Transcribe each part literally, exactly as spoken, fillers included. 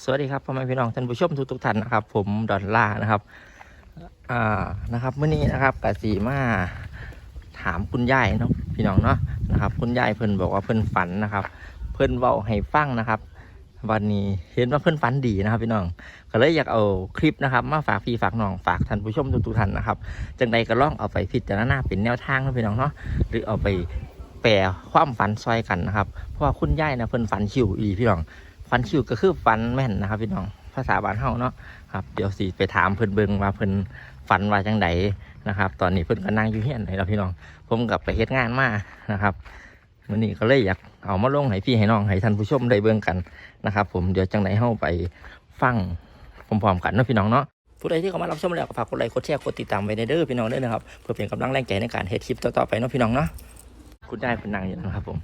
วัสดีครับพ่อแม่พี่น้องท่านผู้ชมทุกทุกท่านนะครับผมดอนล่านะครับอ่านะครับเมื่อนี้นะครับกสีมาถามคุณยายเนาะพี่น้องเนาะนะครับคุณยายเพิ่นบอกว่าเพิ่นฝันนะครับเพิ่นเว้าให้ฟังนะครับวันนี้เห็นว่าเพิ่นฝันดีนะครับพี่น้องก็เลยอยากเอาคลิปนะครับมาฝากพี่ฝากน้องฝากท่านผู้ชมทุกทุกท่านนะครับจังใดก็ลองเอาไปพิจารณาเป็นแนวทางนะพี่น้องเนาะหรือเอาไปแปลความฝันซอยกันนะครับเพราะว่าคุณยายนะเพิ่นฝันชิวอีพี่น้องฝันชิวก็คือฝันแม่นนะครับพี่น้องภาษาบ้านเฮาเนาะครับเดี๋ยวสิไปถามเพิ่นเบิ่งว่าเพิ่นฝันว่าจังไดนะครับตอนนี้เพิ่นก็นั่งอยู่เฮียนให้เราพี่น้องผมกลับไปเฮ็ดงานมานะครับวันนี้ก็เลยอยากเอามาลงให้พี่ให้น้องให้ท่านผู้ชมได้เบิ่งกันนะครับผมเดี๋ยวจังไดเฮาไปฟังพร้อมๆกันเนาะพี่น้องเนาะผู้ใดที่เข้ามารับชมแล้วก็ฝากกดไลค์กดแชร์กดติดตามไว้ในเด้อพี่น้องเด้อนะครับเพื่อเป็นกำลังแรงใจในการเฮ็ดคลิปต่อๆไปเนาะพี่น้องเนาะคุณยายเพิ่นนั่งอยู่นะครับผม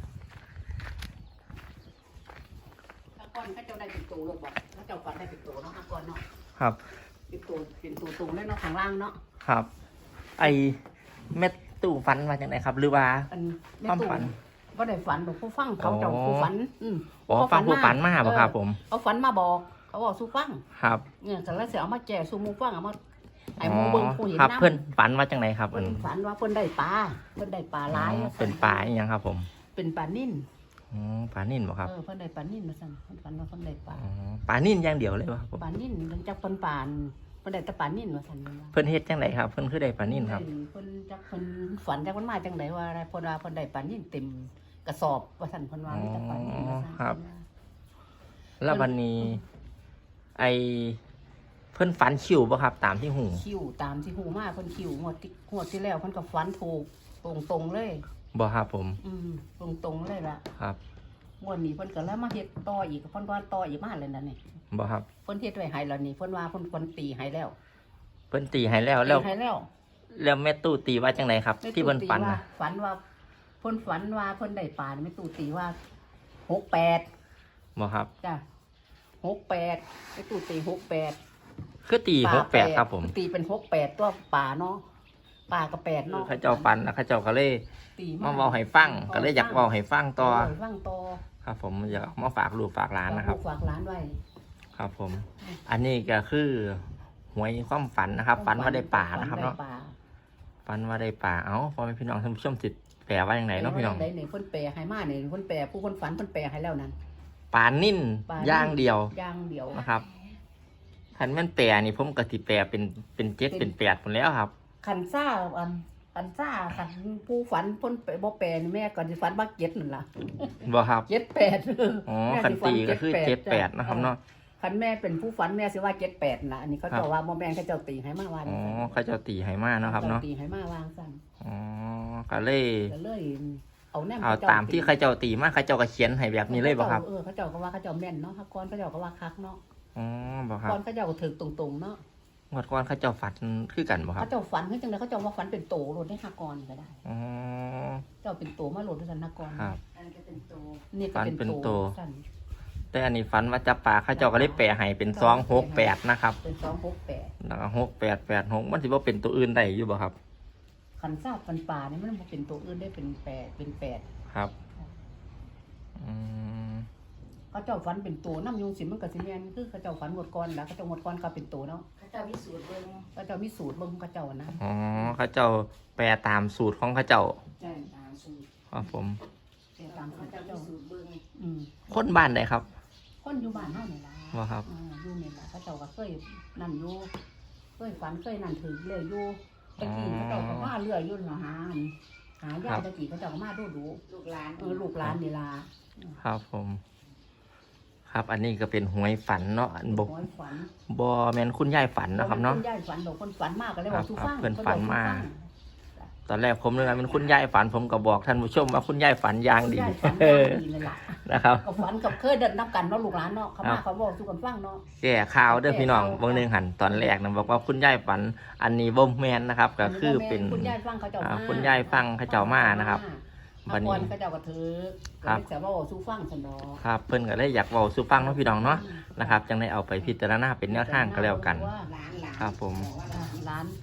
ก่อนเขาเจ้าได้เป็นตัวลูกบอกเขาเจ้าก่อนได้เป็นตัวเนาะก่อนเนาะครับเป็นตัวเป็นตัวสูงเลยเนาะข้างล่างเนาะครับไอเม็ดตู่ฟันมาจากไหนครับหรือว่าความฝันว่าได้ฝันหรอกผู้ฟังเขาเจ้าผู้ฝันอืมอ๋อฟังผู้ฝันมาบ่ครับผมเขาฝันมาบอกเขาบอกสู้ฟังครับเนี่ยแต่ละเสียเอามาแจกสู้มูฟังเอามาไอ้มูเบิ้งผู้เห็นน้ำเพื่อนฝันว่าจังไหนครับเพิ่นฝันว่าเพิ่นได้ปลาเพิ่นได้ปลาหลายเป็นปลาอย่างครับผมเป็นปลานิ่นอ๋อปลานิ่นบ่ครับเออเพิ่นได้ปลานิ่นมาสั่งเพิ่นฝันว่าเพิ่นได้ปลาปลานิ่นอย่างเดียวเลยบ่ครับผมปลานิ่นมันจักเพิ่นปานเพิ่นได้แต่ปลานิ่นมาสั่งเพิ่นเฮ็ดจังไดครับเพิ่นคือได้ปลานิ่นครับเพิ่นจักเพิ่นฝันจักเพิ่นมาจังไดว่าอะไรเพิ่นว่าเพิ่นได้ปลานิ่นเต็มกระสอบว่าสั่นเพิ่นว่ามีแต่ปลานิ่นว่าสั่นครับแล้ววันนี้ไอเพิ่นฝันคิวบ่ครับตามที่หูคิวตามที่หูมาเพิ่นคิวงวดที่งวดที่แล้วเพิ่นก็ฝันถูกตรงๆเลยบ่ครับผมอืมตรงๆเลยล่ะครับงวดนี้เพิ่นก็แล้วมาเฮ็ดต่ออีกเพิ่นว่าต่ออีกมาเลยนั่นนี่บ่ครับเพิ่นเฮ็ดไว้ให้แล้วนี่เพิ่นว่าเพิ่นคนตีให้แล้วเพิ่นตีให้แล้วแล้วให้แล้วแล้วแม่ตู้ตีว่าจังไดครับที่เพิ่นฝันน่ะฝันว่าเพิ่นฝันว่าเพิ่นได้ปลาแม่ตู้ตีว่าหกแปดบ่ครับจ้ะหกแปดแม่ตู้ตีหกแปดคือตีหกแปดครับผมตีเป็นหกแปดตัวป่าเนาะป่ากับแปดเนาะเขาเจ้าฟันแล้วเขาเจ้าก็เลยมาเว้าให้ฟังก็เลยอยากเว้าให้ฟังต่อฟังต่อครับผมอยากมาฝากลูกฝากหลานนะครับฝากหลานไว้ครับผมอันนี้ก็คือหวยความฝันนะครับฝันว่าได้ป่านะครับเนาะฝันว่าได้ป่าเอ้าพ่อแม่พี่น้องท่านผู้ชมจิตแปลว่าอย่างไรเนาะพี่น้องได้เนี่ยคนแปลให้มาเนี่ยคนแปลผู้คนฝันคนแปลให้แล้วนั้นป่านิ่นย่างเดียวย่างเดียวนะครับคันแม่นแปลนี่ผมกะทิแปลเป็นเป็นเจ็ดเป็นแปดหมดแล้วครับขันซ่าอันขันซ่าขันผู้ฝันพ้นไปบ่แปลแม่ก่อนสิฝันว่าเจ็ดนั่นล่ะบ่ครับเจ็ดแปดอ๋อคันตีก็คือเจ็ดแปดนะครับเนาะคันแม่เป็นผู้ฝันแม่สิว่าเจ็ดแปดนะอันนี้เขาเจ้าว่าบ่แม่เขาเจ้าตีให้มาวันอ๋อเขาเจ้าตีให้มาเนาะครับเนาะตีให้มาวางสั่นอ๋อก็เลยก็เลยเอาแนมเอาตามที่เขาเจ้าตีมาเขาเจ้าก็เขียนให้แบบนี้เลยบ่ครับเออเขาเจ้าก็ว่าเขาเจ้าแม่นเนาะฮักก้อนเขาเจ้าก็ว่าคักเนาะอ๋อบ่ครับก้อนเขาเจ้าก็ถึกตรงๆเนาะงวดก้อนเขาเจ้าฝันคือกันบ่ครับเขาเจ้าฝันคือจังได๋เขาเจ้าว่าฝันเป็นโตโลดได้ฮักก้อนก็ได้อ๋อเจ้าเป็นโตมาโลดด้วยกันฮักก้อนครับอันนี้ก็เป็นโตนี่ก็เป็นโตแต่อันนี้ฝันว่าจับปลาเขาเจ้าก็เลยแปลให้เป็นสองหกแปดนะครับเป็นสองหกแปดแล้วก็หกแปดแปดหกมันสิบ่เป็นตัวอื่นได้อยู่บ่ครับคันทราบคันป่านี่มันบ่เป็นตัวอื่นได้เป็นแปดเป็นแปดครับอืมเขาเจ้าฝันเป็นตัวน้ำยุงสิมันก็สิแม่นคือเขาเจ้าฝันหมดก่อนแล้วเขาเจ้าหมดก่อนก็เป็นตัวเนาะเขาเจ้ามีสูตรเบิ่งเขาเจ้ามีสูตรเบิ่งเขาเจ้านะอ๋อเขาเจ้าแปลตามสูตรของเขาเจ้าใช่ตามสูตรครับผมแปลตามเขาเจ้าสูตรเบิ่งอืมคนบ้านใดครับคนอยู่บ้านเฮานี่ล่ะว่าครับอ่าอยู่นี่ล่ะเขาเจ้าก็เคยนั่นอยู่เคยฝันเคยนั่นถือเลยอยู่ตะกี้เขาเจ้าก็มาเรื่อยอยู่เนาะหาหายาตะกี้เขาเจ้าก็มาดูดูลูกหลานเออลูกหลานนี่ล่ะครับผมครับอันนี้ก็เป็นหวยฝันเนาะอันบกบอแมนคุณยายฝันนะครับเนาะคุณยายฝันบอกคนฝันมากก็เลยบอกทุกฟังเพื่อนฝันมากตอนแรกผมเลยนะเป็นคุณยายฝันผมก็บอกท่านผู้ชมว่าคุณยายฝันอย่างดีนะครับกับฝันกับเคยเดินนับกันเนาะลูกหลานเนาะเขามาเขาบอกทุกคนฟังเนาะแก่ข่าวเด้อพี่น้องบางนึงหันตอนแรกนะบอกว่าคุณยายฝันอันนี้บ่แมนนะครับก็คือเป็นคุณยายฟังเขาเจ้ามาคุณยายฟังเขาเจ้ามานะครับวันนี้เขาเจ้าก็ถือครับแต่ว่าสู้ฟังสนอครับเพิ่นก็เลยอยากเว้าสู้ฟังเนาะพี่น้องเนาะนะครับจังได้เอาไปพิจารณาเป็นแนวทางก็แล้วกันครับผมร้าน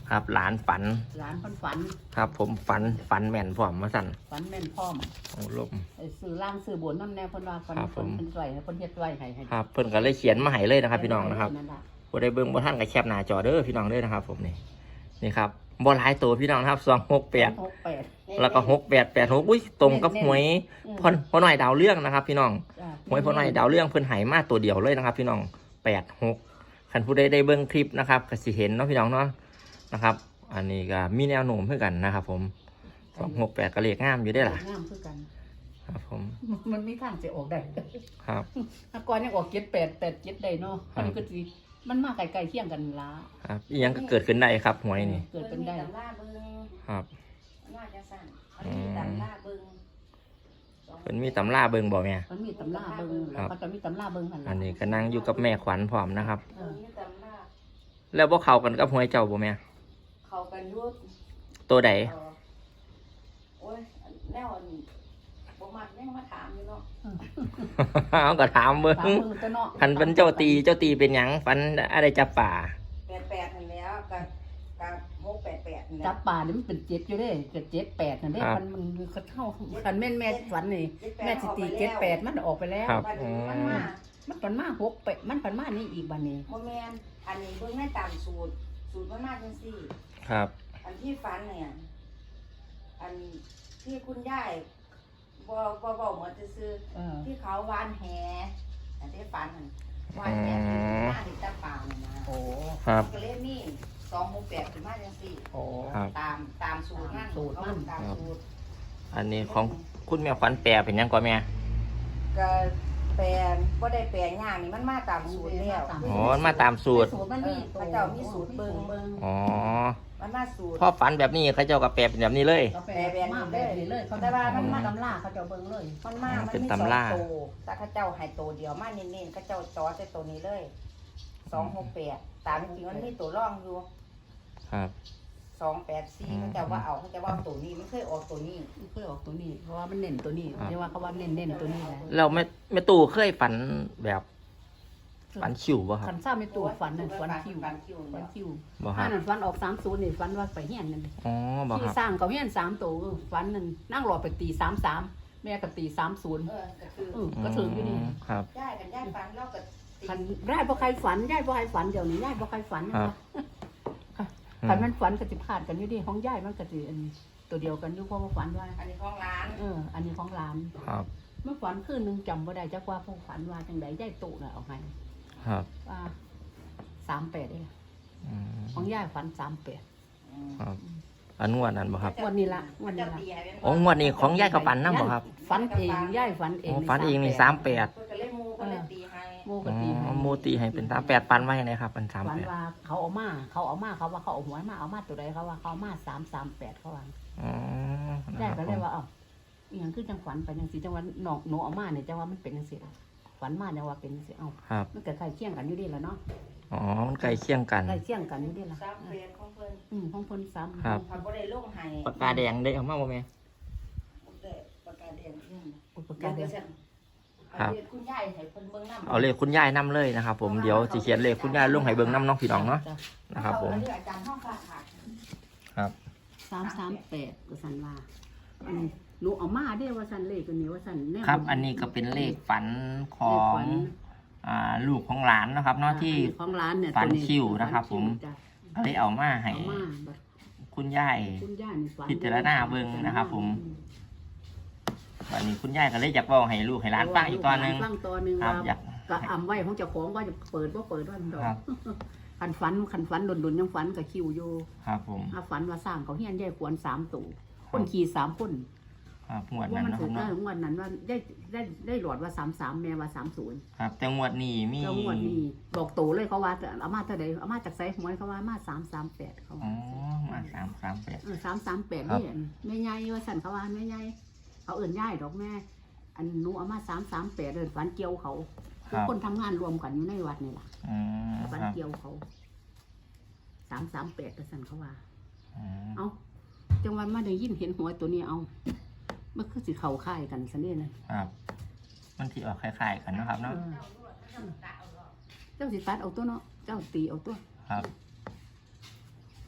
ครับหลานฝันหลานเพิ่นฝันครับ ผมฝันฝันแม่นพร้อมมาสั่นฝันแม่นพร้อมโอ้ลมไอ้ซื้อล่างซื้อบนน้ำแน่เพิ่นว่าเพิ่นครับผมเพิ่นเพิ่นไว้ให้เพิ่นเฮ็ดไว้ให้ให้ครับ เพิ่นก็เลยเขียนมาให้เลยนะครับ พี่น้องนะครับนั่นล่ะบ่ได้เบิ่งบ่ทันก็แคปหน้าจอเด้อพี่น้องเด้อนะครับ ผมนี่นี่ครับบ่หลายตัวพี่น้องนะครับสองหกแปดหกแปดแล้วก็หกแปดแปดหกอุ้ยตรงกับหวยอืมพ่อพ่อหน่อยดาวเรื่องนะครับ พี่น้องจ้ะหวยพ่อหน่อยดาวเรื่องเพิ่นให้มาตัวเดียวเลยนะครับ พี่น้องแปดหกคันผู้ใดได้เบิ่งคลิปนะครับก็สิเห็นเนาะพี่น้องเนาะนะครับ อันนี้ก็มีแนวโน้มเพื่อกันนะครับ ผมสองหกแปดก็เลขงามอยู่ได้อล่ะงามคือกันครับ ผมมันมีทางสิออกได้ครับถ้าก่อนยังออกเจ็ดแปดแปดเจ็ดได้เนาะครับอันนี้ก็สิมันมาไกลๆเคียงกันละครับอีหยังก็เกิดขึ้นได้ครับหวยนี่เกิดเป็นได้ตำราเบิงครับว่าจะสั่นมันมีตำราเบิงเพิ่นมีตำราเบิ่งบ่แม่มันมีตำราเบิ่งแล้วก็จะมีตำราเบิ่งหั่นล่ะอันนี้ก็นั่งอยู่กับแม่ขวัญพร้อมนะครับเออมีตำราแล้วบ่เข้ากันกับหวยเจ้าบ่แม่เขากันอยุดตัวใดโอ้ยแนวอันบ่มักยังมาถามอยู่เนาะเอาก็ถามเบิ่ตามงเบิ่งตัวเนาะคันเป็นเจ้าตีเจ้าตีเป็นหยังฟันอะไรจับป่าแปดแปดนั่นแล้วกับกับหกแปดแปดนั่นแหจัละบป่านี่มันเป็นเจ็ดอยู่เด้เกิดเจ็ดแปดนั่นเด้มันมันเขาเท่าคันแม่นแม่ฝันนี่แม่สิตีเจ็ดแปดมันออกไปแล้วครับบัดอืนี้มันมมามันปันมาหกแปดมันปันมานี่อีกบัดนี้โมแมนอันนี้เบิ่งให้ตามสูตร สูตรมันมาจังซี่ครับอันที่ฟันเนี่ย อันที่คุณยายบ่บ่บอกหมดจะซื้อเออที่เขาวานแหอันที่ฟันนั่นวานแหที่หน้าที่ตาเปล่าเนี่ยนะโอ้ครับก็เลยมีสองหกแปดถึงมาจังสี่โอ้ครับตามตามสูตรนั่นสูตรมันตามสูตรอันนี้ของคุณแม่ขวัญแปลเป็นหยังก่อนแม่ก็แปลนบ่ได้แปลงย่างนี่มันมาตามสูตรแล้วอ๋อมันมาตามสูตรสูตรมันมีพระเจ้ามีสูตรเบิ่งอ๋อมันมาสูตรพ่อฝันแบบนี้เขาเจ้าก็แปลเป็นแบบนี้เลยเขาแปลแบบมาแบบนี้เลยเขาแต่ว่ามันมาตำราเขาจะเอาเบิ่งเลยมันมาอ๋อมันเป็นมีสองตำราโตวแต่ข้าเจ้าให้โตวเดียวมาเน้นๆข้าเจ้าจอใส่ตัวนี้เลยสองหกแปดตามจริงๆมันมีตัวร่องอยู่ครับสองแปดสี่ข้าเจ้าว่าเอาข้าเจ้าว่าเอาตัวนี้มันเคยออกตัวนี้เพื่อออกตัวนี้ เพราะว่ามันเน้นตัวนี้ครับเรียกว่าเขาว่าเน้นเน้นตัวนี้แหละเราไม่ไม่ตู่เคยฝันแบบฝันชิวป่ะครัขับนซ่าไม่ตัวฝันนั่นฝันคิวฟันคิวฝันเนี่ยคิวบ่คอัรันบนั้นฝันออกสามศูนย์นี่ฝันว่าไปเฮียนนั่นอ๋อบ่คที่รับสร้างเขาเฮียนสามตัวเออฝันนั่นนั่งรอไปตีสามสามแม่ก็ตีสามศูนย์เออก็คือเออก็ถึงอยู่นี่มครับย่ายกันย่ายฟันเล่ากับตีขันได้พอใครฝันได้พอใครฝันเดี๋ยวนี้ได้พอใครฝันนะครัคะบขันมันฝันกติพาดกันอยู่ดิของย่ายมันกติอันตัวเดียวกันอยู่เพราะว่าฝันว่าอันนี้ของร้านเออ อันนี้ของร้านครับเมื่อฝันคืนหนึงจำบ่ได้จักว่าพวกฝันว่าจังใดย่ายตุน่ะเอาให้ครับว่าสามแปดได้ละอืมของย่ายฝันสามแปดครับอันงวดนั้นบ่ครับงวดนี้ละงวดนี้ละโอ้งวดนี้ของยายกับฝันนำบ่ครับฝันเองย่ายฝันเองอ๋อฝันเองนี่สามแปดเพื่อจะเล่นมูก็เลยตีให้โมกอ๋ติอโมตีให้เป็นสามแปดปันไว้ให้นะครับเป็นสามฝันแปดว่าเขาเอามาเขาเอามาเขาว่าเขาเอาหวยมาเอามาตัวใดเขาว่าเขาเอามาสามสามแปดเขาว่าอ๋อนะได้ครับก็เลยว่าเอ้าอหย่างคือจังฝันไปจังสีจังว่าหนอกหนูเอามาเนี่ยจังว่ามันเป็นจังสีฝันมาเนี่ยว่าเป็นจังสีเอ้าครับมันเกิดใครเคี่ยงกันอยู่ดีแล้วเนาะอ๋อมันใกล้เคียงกันใครเคี่ยงกันอยู่ดีละสามเปลี่ยนของเพิ่นอืมของเพิ่นซ้ำครับทำบ่ได้ลงให้ปากกาแดงได้เอามาบ่แม่ได้ปากกาแดงอืมอุปกเดี๋รยวณ์เดียวเดี๋ยวฉันครับเอาเรียนคุณยายให้เพิ่นเบิ่งนำเอาเลขคุณยายนํเลยนะครับผมเดี๋ยวสิเขียนเลขคุณยายลงให้เบิ่งนํน้องพี่น้องเนาะจ้นะครับผมเอาเรื่องอาจารย์ห้องฝากค่ะครับสามสามแปดก็สันว่าอันนี้หนูเอามาได้ว่าสันเลขตัวนี้ว่าสันแนวครับ อันนี้ก็เป็นเลขฝันขอเลขงฝันอ่าลูกของหลานนะครับเนาะที่อัของร้านเนี่ยฝันตัวคิวนะครับฝัผมจ้ะก็เลยเอามาให้เอามาบัดคุณยายคุณย่านี่ฝันพิจารณาเบิ่งนะครับผม วันนี้คุณยายก็เลยอยากเว้าให้ลูกให้หลานฟังอีกตอนหนึงฟังตอนหนึงครับว่าอยากก็อำไว้ของเจ้าของว่าจะเปิดว่าเปิดว่ามันดอกครับคันฝันคันฝันหล่นๆยังฝันกับคิวอยู่ครับผมถ้าฝันว่าสร้างเขาเฮียนยายขวนสามตู่คนขี่สามคนครับงวดว่านั้นมันนะคถูรับกได้เนาะงวดนั้นว่าได้ได้ได้หลอดว่าสามสามแม่ว่าสามศูนย์ครับ แต่งวดนี้มีแล้วงวดนี้บอกโตเลยเขาว่าเอามาเท่าใดเอามาจากไซหวยเขาว่ามาสามสามแปดเขาอ๋อมาสามสามแปดเออสามสามแปดครับนี่แม่ใหญ่ว่าสั่นเขาว่าแม่ใหญ่เขาเอื่นย่ายดอกแม่ อันหนูเอามาสามสามแปดเดินฝันเกี่ยวเขาคทุรักบคนทำงานรวมกันอยู่ในวัดนี่แหละอืมฝันครับเกี่ยวเขาสามสามแปดกระสันเขาว่าอืมเอาจังหวันมาได้ยินเห็นหัวตัวนี้เอามันคือสิเข่าค่ายกันสันนี่นะครับมันที่ออกคล้ายๆกันเนาะครับเอเนาะอเจ้าสิตัดเอาตัวเนาะเจ้าตีเอาตัวครับ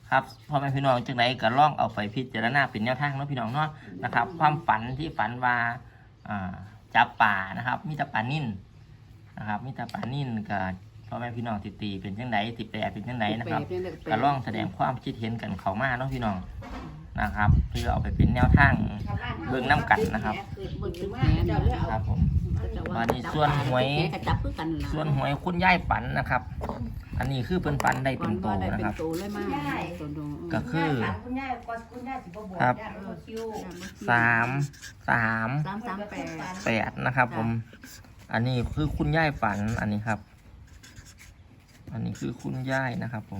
ครับพ่อแม่พี่น้องจังไหนก็ลองเอาไปพิจารณาเป็นแนวทางเนาะพี่น้องเนาะนะครับ ความฝันที่ฝันว่าอ่าจับป่านะครับมีแต่ปลานิ่นนะครับมีแต่ปลานิ่นกับพ่อแม่พี่น้องติตีเป็นจังไหนติแปรเป็นจังไหนนะครับก็ลองแสดงความคิดเห็นกันเข้ามาเนาะพี่น้องนะครับเพื่อเอาไปเป็นแนวทางเบิ่งน้ำกันนะครับเบิ่งถึงแหเจ้าเลือกคเอารับผมวันนี้ส่วนหวยแหกระจับคือกันล่ะส่วนหวยคุณย่ายฝันนะครับ อันนี้คือเพิ่นฝันได้เป็นโตได้นะเป็คน รับโตเลยมากตัวโตก็คือคุณยายก็คุณยายสิบ่บอกครับยายบ่คิวสามสามสามสามแปดแปดนะครับ ผม อันนี้คือคุณย่ายฝันอันนี้ครับ อันนี้คือคุณย่ายนะครับ ผม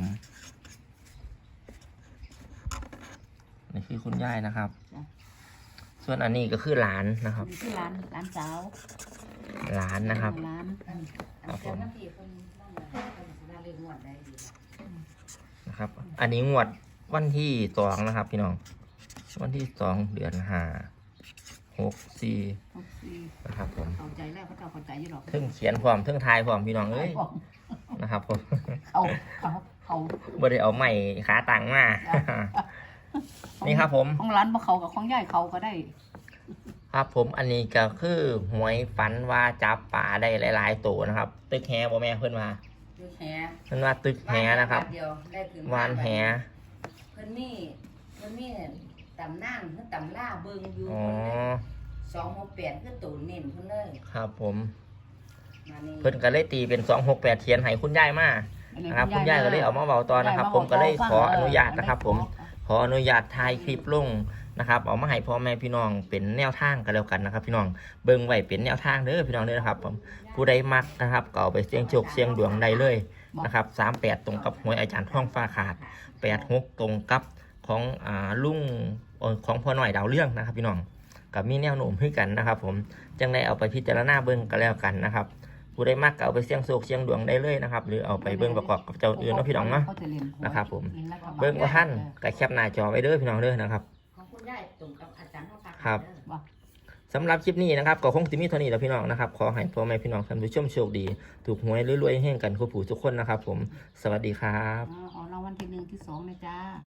นี่คือคุณย่ายนะครับ ส่วนอันนี้ก็คือหลานนะครับนี่คือร้านร้านสาวหลานนะครับร้านครับผมน้ำพี่เพิ่นนั่นน่ะเพิ่นสิได้เรียกงวดได้ดีนะครับ อันนี้งวดวันที่สองนะครับ พี่น้อง วันที่สองเดือนห้าหกสี่หกสี่นะครับผมเข้าใจแล้วเขาเจ้าเข้าใจอยู่หรอกเทึ่งเขียนพร้อมเทึ่งทายพร้อมพี่น้องเอ้ยนะครับผมเขาเขาเขาบ่ได้เอาใหม่ขาตังมา นี่ครับผมของร้านบ่เขากับของย่ายเขาก็ได้ครับผมอันนี้ก็คือหวยฝันว่าจับป่าได้หลายๆตัวนะครับ ตึกแฮบ่แม่เพิ่นว่าดูแหเพิ่นว่าตึกแฮนะครับเดียวได้ถึงวานแฮเพิ่นมีเพิ่นมีตำนานเพิ่นตำล่าเบิ่งอยู่อ๋อสองหกแปดคือตูนเน้นเพิ่นเลยครับผมมานี่เพิ่นก็เลยตีเป็นสองหกแปดเทียนให้คุณยายมานะครับคุณยายก็เลยเอามาเว้าตอนนะครับ ผมก็เลยขออนุญาตนะครับ ผมขออนุญาตถ่ายคลิปลงนะครับเอามาให้พ่อแม่พี่น้องเป็นแนวทางกันแล้วกันนะครับ พี่น้องเบิ่งไว้เป็นแนวทางเด้อพี่น้องเด้อนะครับผมผู้ใดมักนะครับก็เอาไปเสี่ยงโชคเสี่ยงดวงได้เลยนะครับสามแปดตรงกับหวยอาจารย์ท่องฟ้าขาดแปดหกตรงกับของอ่าลุงเอ่อของพ่อหน่อยดาวเรื่องนะครับ พี่น้องกับมีแนวโน้มให้กันนะครับ ผมจังได้เอาไปพิจารณาเบิ่งกันแล้วกันนะครับผู้ใดมักก็เอาไปเสี่ยงโชคเสี่ยงดวงได้เลยนะครับหรือเอาไปเบิ่งประกอบกับเจ้าอื่นเนาะพี่น้องเนาะนะครับผมเบิ่งว่าท่านก็แคปหน้าจอไว้เด้อพี่น้องเด้อนะครับของคุณยายตรงกับอาจารย์เฮาปากครับ สำหรับคลิปนี้นะครับก็คงจะมีเท่านี้แล้วพี่น้องนะครับขอให้พ่อแม่พี่น้องท่านผู้ชมโชคดีถูกหวยรวยๆแห่งกันคู่ผู้ทุกคนนะครับ ผมสวัสดีครับอ๋อรางวัลที่หนึ่งที่สองนะจ้า